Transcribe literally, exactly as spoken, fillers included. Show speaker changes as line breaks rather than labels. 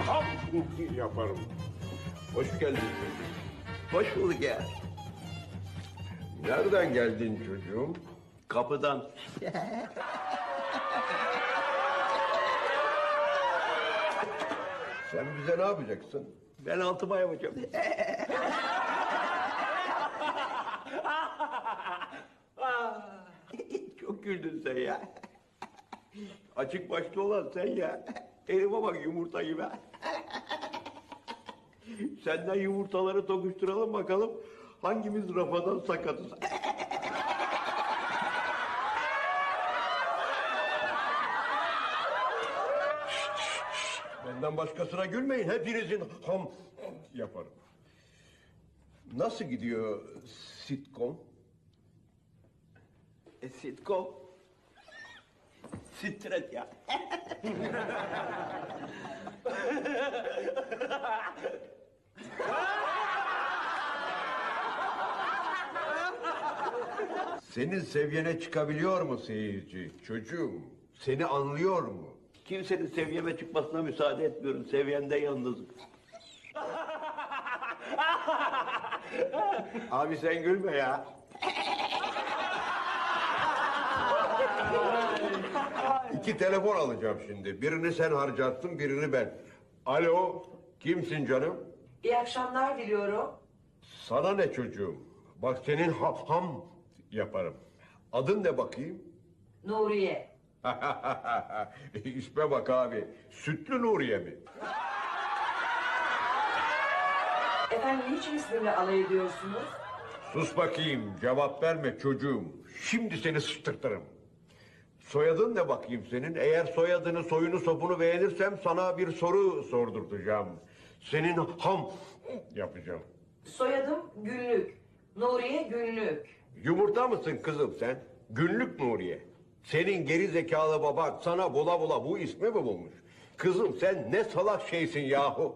ham yaparım. Hoş geldin çocuğum.
Hoş bulduk ya.
Nereden geldin çocuğum?
Kapıdan.
Sen bize ne yapacaksın?
Ben altıma yapacağım. Çok güldün sen ya. Açık başlı olan sen ya. Elime bak yumurta gibi. Senden yumurtaları tokuşturalım bakalım. Hangimiz rafadan sakatız?
Benden başkasına gülmeyin. Hepinizin ham yaparım. Nasıl gidiyor sitcom?
E, sitcom. Stret ya.
Senin seviyene çıkabiliyor mu seyirci? Çocuğum, seni anlıyor mu?
Kimsenin seviyeme çıkmasına müsaade etmiyorum. Seviyende yalnızım. Abi sen gülme ya.
İki telefon alacağım şimdi. Birini sen harcattın, birini ben. Alo, kimsin canım?
İyi akşamlar diliyorum.
Sana ne çocuğum? Bak senin ham, ham yaparım. Adın ne bakayım?
Nuriye.
İsme bak abi. Sütlü Nuriye mi?
Efendim niçin ismimle alay ediyorsunuz?
Sus bakayım, cevap verme çocuğum. Şimdi seni sıçtırtırım. Soyadın ne bakayım senin? Eğer soyadını, soyunu, sopunu beğenirsem sana bir soru sordurtacağım. Senin ham yapacağım.
Soyadım Günlük. Nuriye Günlük.
Yumurta mısın kızım sen? Günlük Nuriye. Senin geri zekalı baban sana bula bula bu ismi mi bulmuş? Kızım sen ne salak şeysin yahu.